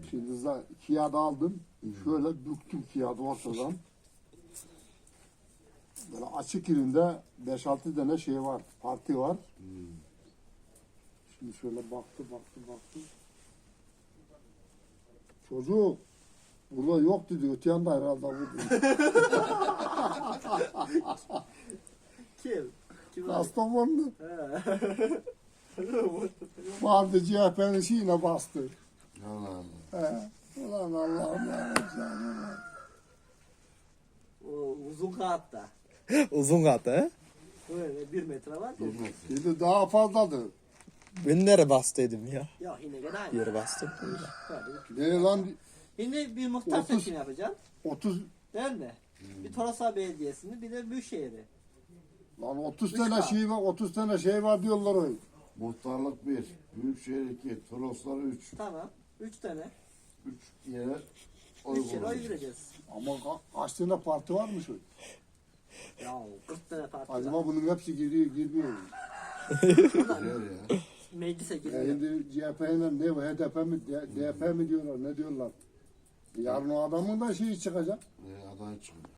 Şimdi kağıdı aldım. Şöyle büktüm kağıdı ortadan. Böyle açık yerinde 5-6 tane şey var. Parti var. Şimdi şöyle baktı. Çocuk burada yok dedi. Öte yanda herhalde bu dedi. Kim? Kim var? Kastamonlu. He. Vardı CHP'nin şeyine bastı. Allah Allah. He. Ulan Allah'ım ya. O uzun kağıtta. Uzun katı he? Böyle 1 metre var. Bilmez. Şimdi daha fazladır. Ben nereye bastıydım ya? Ya yine gene aynı. Yere bastım. Böyle. Ne lan Şimdi bir muhtar 30. seçimi yapacaksın. 30 Değil mi? Bir Toroslar Belediyesi'ni bir de Büyükşehir'i. lan 30 Üç tane var. şey var. 30 tane şey var diyorlar öyle. Muhtarlık 1, Büyükşehir 2, Toroslar 3. Tamam. 3 tane. 3 yere oy 3 yere oy kullanacak. vereceğiz. Ama kaç tane parti varmış öyle. Ya 40 tane parti var. Acaba bunun hepsi girmiyor mu? Geliyor ya. Meclise Ya giriyor. şimdi CHP'yle ne bu HDP mi DP mi diyorlar ne diyorlar? Yarın o adamın da şeyi çıkacak. Aday çıkıyor.